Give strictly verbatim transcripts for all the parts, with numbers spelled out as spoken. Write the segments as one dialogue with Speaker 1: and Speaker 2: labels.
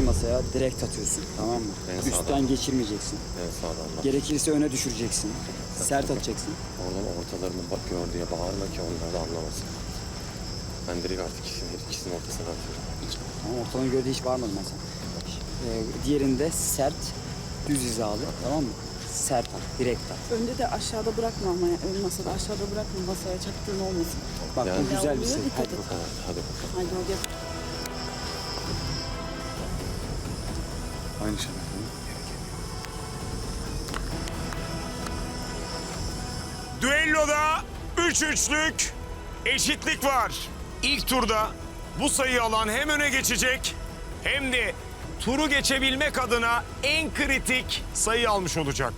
Speaker 1: masaya direkt atıyorsun, tamam mı?
Speaker 2: En
Speaker 1: Üstten
Speaker 2: sağdan.
Speaker 1: geçirmeyeceksin.
Speaker 2: En sağdan bak.
Speaker 1: Gerekirse öne düşüreceksin. Sert atacaksın.
Speaker 2: Oradan ortalarını bak gör diye bağırma ki onlar da anlamasın. Ben direkt artık ikisinin, ikisinin ortasına atıyorum.
Speaker 1: Tamam, ortalama göre de hiç bağırmadım ben sana. Ee, diğerinde sert, düz hizalı, tamam mı? Sert at, direkt at.
Speaker 3: Önde de aşağıda bırakma ama ya. Ön masada aşağıda bırakma. Masaya çaktığın olmasın.
Speaker 1: Bak
Speaker 2: Yani-
Speaker 1: bu güzel bir
Speaker 3: Ya,
Speaker 1: şey.
Speaker 3: dikkat
Speaker 1: Hadi
Speaker 3: et.
Speaker 1: bakalım.
Speaker 2: Evet, hadi bakalım.
Speaker 3: Haydi o gel.
Speaker 4: Aynı şey.
Speaker 5: Düelloda üç üçlük eşitlik var. İlk turda bu sayıyı alan hem öne geçecek hem de turu geçebilmek adına en kritik sayı almış olacak.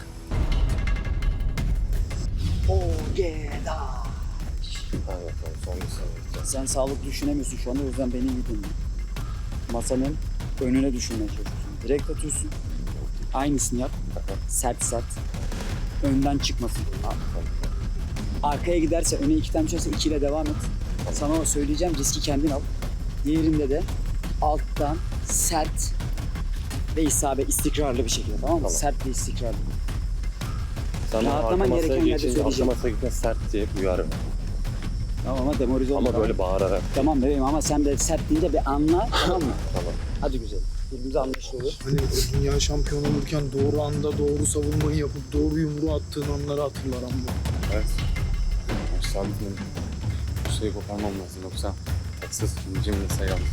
Speaker 2: Hadi bakalım son bir sayı gideceğiz.
Speaker 1: Sen sağlıklı düşünemiyorsun şu anda, o yüzden beni iyi dinle. Masanın önüne düşünmeye çalışıyorsun. Direkt atıyorsun. Aynısını yap. Sert sert. Önden çıkmasın. Arkaya giderse, öne iki tane düşerse ikiyle devam et. Sana söyleyeceğim, riski kendin al. Diğerinde de alttan sert ve isabet, istikrarlı bir şekilde, tamam mı?
Speaker 2: Tamam.
Speaker 1: Sert ve istikrarlı.
Speaker 2: Sana
Speaker 1: Rahatlaman
Speaker 2: arka masaya
Speaker 1: gereken yerde
Speaker 2: geçince arka
Speaker 1: söyleyeceğim.
Speaker 2: masaya gitme sert diye uyarım.
Speaker 1: Tamam ama demoralize olma.
Speaker 2: Ama böyle bağırarak.
Speaker 1: Tamam bebeğim, ama sen de sert deyince bir anla, tamam mı?
Speaker 2: Tamam.
Speaker 1: Hadi güzel. Birbirimize anlaşılır olur.
Speaker 4: Hani o dünya şampiyonu olurken doğru anda doğru savunmayı yapıp doğru yumruğu attığın anları hatırlar ama.
Speaker 6: Evet. Maçlarımızın bu şeyi koparmam lazım yoksa haksız cimri sayı alırız.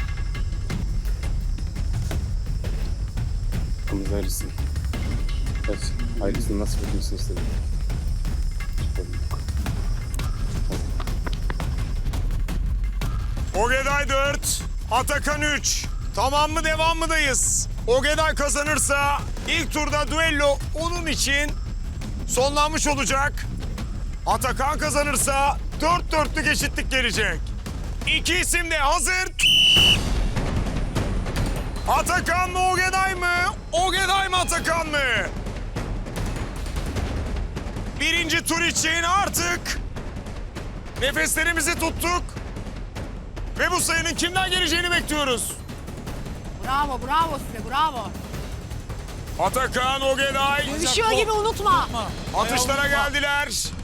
Speaker 6: Hakkımızı verirsin. Evet, hayırlısını nasıl bitmesini istedim.
Speaker 5: Ogeday dört, Atakan üç. Tamam mı, devam mıdayız? Ogeday kazanırsa ilk turda düello onun için sonlanmış olacak. Atakan kazanırsa dört dörtlük eşitlik gelecek. İki isim de hazır. Atakan mı, Ogeday mı? Ogeday mı, Atakan mı? Birinci tur için artık nefeslerimizi tuttuk. Ve bu sayının kimden geleceğini bekliyoruz.
Speaker 7: Bravo, bravo size, bravo.
Speaker 5: Atakan, Ogeday
Speaker 7: Dövüşüyor gibi unutma.
Speaker 5: atışlara geldiler.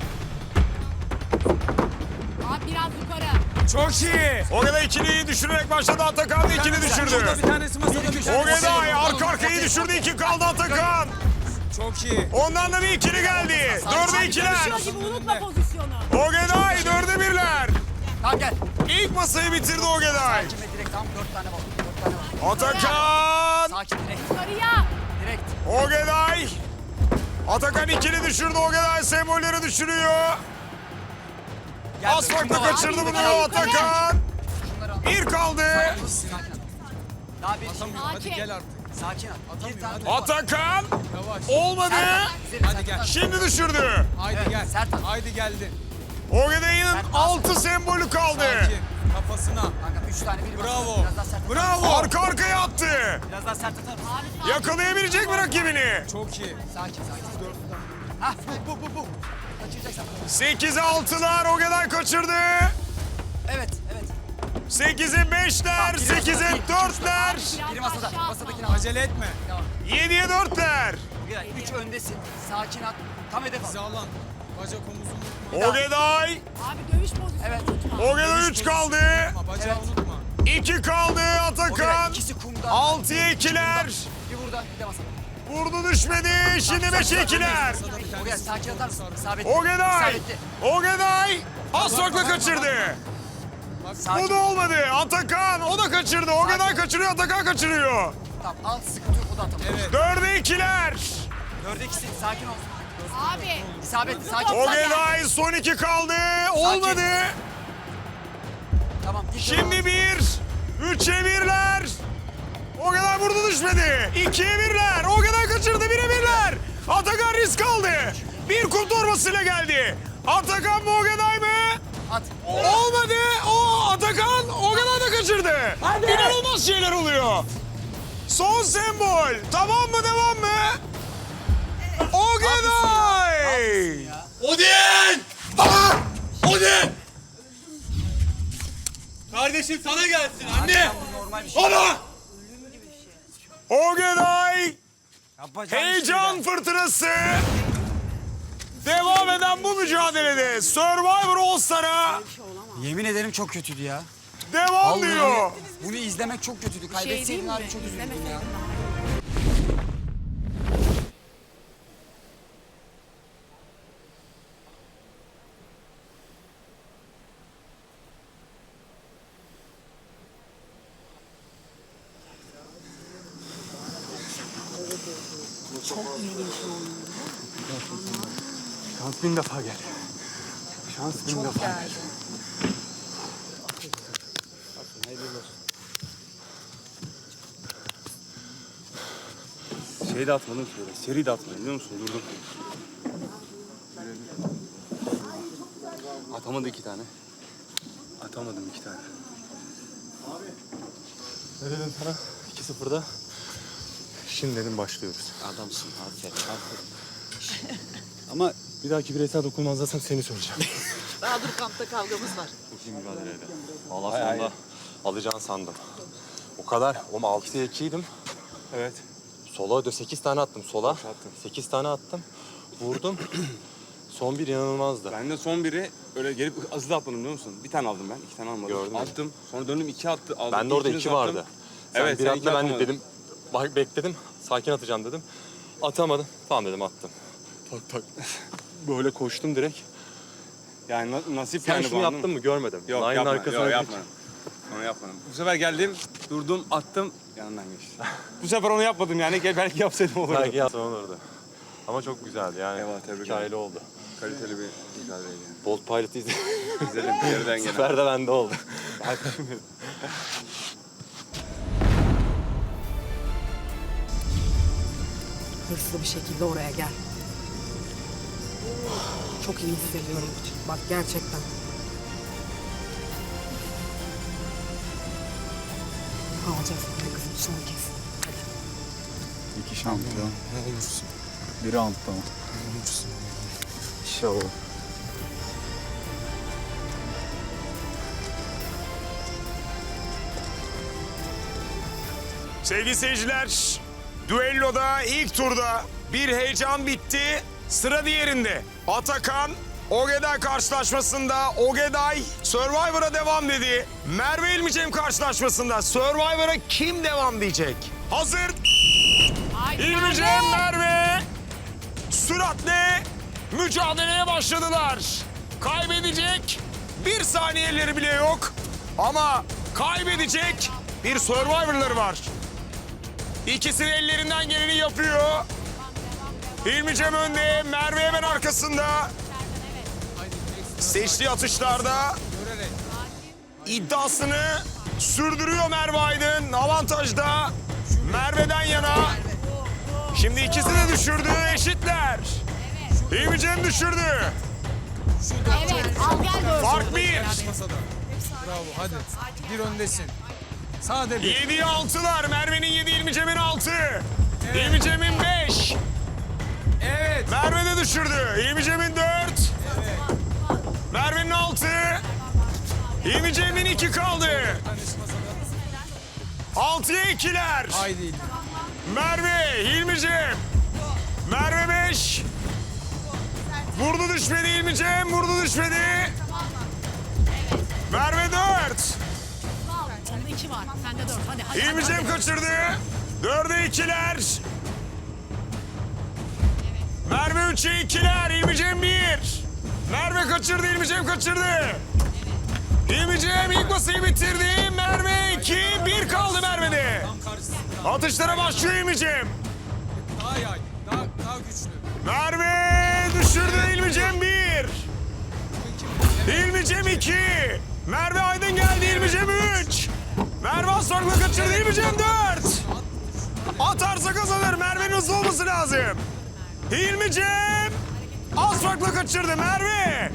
Speaker 7: Abi biraz yukarı.
Speaker 5: Çok iyi. Ogeday ikiliyi düşürerek başladı. Atakan da ikili düşürdü.
Speaker 8: Bir tanesi masada bir tanesi.
Speaker 5: Ogeday arka arkayı düşürdü. İki kaldı Atakan.
Speaker 8: Çok iyi.
Speaker 5: Ondan da bir ikili geldi. Dörde ikiler.
Speaker 7: Dövüşüyor gibi unutma pozisyonu.
Speaker 5: Ogeday dörde birler.
Speaker 8: Tamam gel.
Speaker 5: İlk masayı bitirdi Ogeday.
Speaker 8: Sakin ve direkt tamam dört tane var. Dört tane var.
Speaker 5: Atakan.
Speaker 8: Sakin direkt.
Speaker 7: Yukarıya.
Speaker 8: Direkt.
Speaker 5: Ogeday. Atakan ikili düşürdü. Ogeday sembolleri düşürüyor.
Speaker 8: Gel,
Speaker 5: Az farkla
Speaker 8: şunları al.
Speaker 5: kaçırdı bunu
Speaker 7: Yukarı, yukarı.
Speaker 5: Atakan.
Speaker 8: Şunları al.
Speaker 5: Bir kaldı.
Speaker 8: Sakin ol. Daha bir
Speaker 7: Sakin.
Speaker 8: Hadi gel artık. Sakin ol. Bir tane top var.
Speaker 5: Atakan.
Speaker 8: Yavaş.
Speaker 5: Olmadı.
Speaker 8: Hadi gel.
Speaker 5: Şimdi düşürdü.
Speaker 8: Haydi
Speaker 7: Evet,
Speaker 8: gel.
Speaker 7: sert at.
Speaker 8: Haydi geldi.
Speaker 5: Ogeday'ın altı sembolü kaldı.
Speaker 8: Sakin. Kafasına.
Speaker 7: Kanka üç tane bir
Speaker 8: Bravo.
Speaker 7: Biraz daha sert atar.
Speaker 8: Bravo.
Speaker 5: Arka arkaya attı.
Speaker 8: Biraz daha sert atar mısın?
Speaker 7: Abi sakin.
Speaker 5: Yakalayabilecek mi rakibini?
Speaker 8: Çok iyi.
Speaker 7: Sakin, sakin.
Speaker 8: Hah bu bu bu bu.
Speaker 7: Kaçıracaksın.
Speaker 5: sekize altılar Ogeday kaçırdı.
Speaker 8: Evet evet.
Speaker 5: sekize beşler, sekize dörtler,
Speaker 7: Biraz
Speaker 8: Biri
Speaker 7: daha
Speaker 8: masada.
Speaker 7: aşağı
Speaker 8: Masadakini
Speaker 7: atma.
Speaker 8: acele etme.
Speaker 5: yediye dörtler.
Speaker 8: Güzel. Üç öndesin. Sakin at. Tam hedef al. Hizalan. Bacak omuzunu unutma.
Speaker 5: Ogeday,
Speaker 7: Abi dövüş pozisyonu
Speaker 8: Evet.
Speaker 7: unutma.
Speaker 5: Ogeday üç kaldı.
Speaker 8: Unutma, bacağı
Speaker 7: Evet.
Speaker 8: unutma.
Speaker 5: iki kaldı
Speaker 8: Ogeday
Speaker 5: Atakan.
Speaker 8: ikisi kumda.
Speaker 5: altıya ikiler.
Speaker 8: Bir burada bir de masada.
Speaker 5: Vurdu düşmedi. Şimdi beşe ikiler.
Speaker 8: Masada bir
Speaker 7: Oraya
Speaker 8: tanesi.
Speaker 7: sakin atar mısın? İsabetli.
Speaker 5: Ogeday,
Speaker 7: İsabetli.
Speaker 5: Ogeday az farkla kaçırdı. Bu
Speaker 7: Sakin.
Speaker 5: da olmadı. Atakan o da kaçırdı. Ogeday kaçırıyor, Atakan kaçırıyor.
Speaker 7: Tamam al sıkıntı yok o da atamıyor.
Speaker 8: Evet.
Speaker 5: Dörde ikiler.
Speaker 7: Dörde ikisi sakin ol. Abi.
Speaker 8: İsabetli. Sakin.
Speaker 5: Ogeday son iki kaldı. Olmadı.
Speaker 7: Tamam. dik dur.
Speaker 5: Şimdi bir. Üçe birler. Ogeday vurdu düşmedi. İkiye birler. Ogeday kaçırdı. Bire birler. Atakan risk aldı. Bir kum torbasıyla geldi. Atakan mı Ogeday mı?
Speaker 7: At.
Speaker 5: Olmadı. O Atakan Ogeday da kaçırdı. İnanılmaz şeyler oluyor. Son sembol. Tamam mı devam mı? Ogeday.
Speaker 8: Odin! Baba! Odin! Kardeşim sana gelsin anne!
Speaker 7: Normal bir şey.
Speaker 8: Baba!
Speaker 5: Ogeday
Speaker 7: Yapacağım
Speaker 5: heyecan fırtınası. Devam eden bu mücadelede Survivor All Star'a
Speaker 7: Yemin ederim çok kötüydü ya.
Speaker 5: devam
Speaker 7: Vallahi
Speaker 5: diyor.
Speaker 7: bunu izlemek çok kötüydü. Kaybetseydin abi çok üzüldüm ya.
Speaker 6: Şans bin defa gel. Şans bin defa gel. Şey de atmadım şöyle. Seri de atmadım biliyor musun? Durdum. Atamadı iki tane. Atamadım iki tane. Ne dedim sana? iki sıfırda. Şimdi dedim başlıyoruz.
Speaker 2: Adamsın. Aferin. Aferin.
Speaker 6: Ama bir dahaki bireysel dokunmazlarsan seni söyleyeceğim.
Speaker 3: Daha dur kampta kavgamız var.
Speaker 2: Çok iyi mücadeleydi. Valla sonunda alacağını sandım. O kadar. Oğlum altıya ikiydim.
Speaker 6: Evet.
Speaker 2: Sola da sekiz tane attım sola.
Speaker 6: attın.
Speaker 2: sekiz tane attım. Vurdum. Son bir inanılmazdı.
Speaker 6: Ben de son biri öyle gelip hızlı atmadım biliyor musun? Bir tane aldım ben, iki tane almadım.
Speaker 2: Gördüm.
Speaker 6: Attım, sonra döndüm iki attı. Aldım.
Speaker 2: Ben de orada
Speaker 6: İkiniz
Speaker 2: iki
Speaker 6: attım.
Speaker 2: vardı. Sen
Speaker 6: Evet,
Speaker 2: bir
Speaker 6: sen
Speaker 2: atla
Speaker 6: iki
Speaker 2: ben de
Speaker 6: atamadın.
Speaker 2: dedim. Bak bekledim. Sakin atacağım dedim. Atamadım. Tamam dedim attım. Tak tak. Böyle koştum direkt.
Speaker 6: Yani na- nasip
Speaker 2: Sen
Speaker 6: yani
Speaker 2: şunu
Speaker 6: bu,
Speaker 2: yaptın
Speaker 6: anladın
Speaker 2: mı görmedim.
Speaker 6: Yok
Speaker 2: Line'ın
Speaker 6: yapma,
Speaker 2: arkasına
Speaker 6: yok
Speaker 2: bir-
Speaker 6: yapmadım. Onu yapmadım. Bu sefer geldim, durdum, attım, yanından geçti. Bu sefer onu yapmadım yani, gel belki yapsaydım olurdu.
Speaker 2: Belki yapsam olurdu. Ama çok güzeldi yani.
Speaker 6: Eyvallah, tebrik
Speaker 2: Hikayeli
Speaker 6: ederim.
Speaker 2: oldu.
Speaker 6: Kaliteli bir mücadeleydi yani.
Speaker 2: Bolt Pilot'ı izledim.
Speaker 6: İzledim, geriden
Speaker 2: Bu
Speaker 6: gelen.
Speaker 2: sefer de bende oldu.
Speaker 3: Hırslı bir şekilde oraya gel. Çok iyi hissediyorum. Bak gerçekten. Alacağız bunu kızım son kez.
Speaker 4: İki şampiyon. Ne olursun. Bir roundda mı? Ne olursun. İnşallah.
Speaker 5: Sevgili seyirciler, düelloda ilk turda bir heyecan bitti. Sıra diğerinde. Atakan, Ogeday karşılaşmasında Ogeday Survivor'a devam dedi. Merve İlmicem karşılaşmasında Survivor'a kim devam diyecek? Hazır. İlmicem, Merve süratle mücadeleye başladılar. Kaybedecek bir saniyeleri bile yok. Ama kaybedecek bir Survivor'ları var. İkisi de ellerinden geleni yapıyor. İlmicem önde, Merve hemen arkasında. Seçtiği atışlarda iddiasını sürdürüyor Merve Aydın. Avantajda Merve'den yana. Şimdi ikisi de düşürdü, eşitler. İlmicem düşürdü.
Speaker 9: Evet, al gel böyle.
Speaker 5: Fark bir.
Speaker 8: Masada. Bravo hadi. Bir öndesin. Sade bir.
Speaker 5: Yediye altılar. Merve'nin yedi, İlmicem'in altı. İlmicem'in beş.
Speaker 8: Evet.
Speaker 5: Merve de düşürdü. İlmicem'in dört. Merve'nin altı. İlmicem'in iki kaldı. Altıya ikiler.
Speaker 8: Haydi.
Speaker 5: Merve, İlmicem. Merve beş. Vurdu düşmedi İlmicem, vurdu düşmedi. Merve dört.
Speaker 9: Onda iki var. Sende dört. Hadi hadi.
Speaker 5: İlmicem kaçırdı. Dörde ikiler. Merve üçe ikiler. İlmicem bir. Merve kaçırdı. İlmicem kaçırdı. İlmicem ilk basıyı bitirdi. Merve iki. Bir kaldı Merve'de. Atışlara başlıyor İlmicem.
Speaker 8: Daha yay. Daha, daha güçlü.
Speaker 5: Merve düşürdü. İlmicem bir. İlmicem iki. Merve Aydın geldi. İlmicem üç. Merve Aslan'la kaçırdı. İlmicem dört. Atarsa kazanır. Merve'nin hızlı olması lazım. İlmicem az farkla kaçırdı. Merve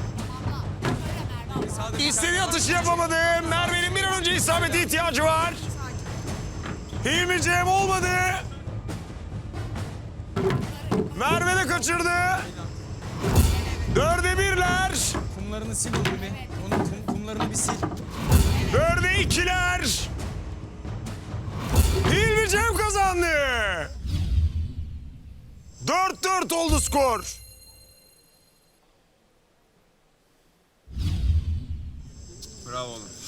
Speaker 5: istediği atışı yapamadı. Merve'nin bir an önce isabete ihtiyacı var. İlmicem olmadı. Merve de kaçırdı. Dörde birler.
Speaker 8: Kumlarını sil oğlum bir. Onun kum, kumlarını bir sil.
Speaker 5: Dörde ikiler. İlmicem kazandı. Dört dört oldu skor.
Speaker 6: Bravo oğlum.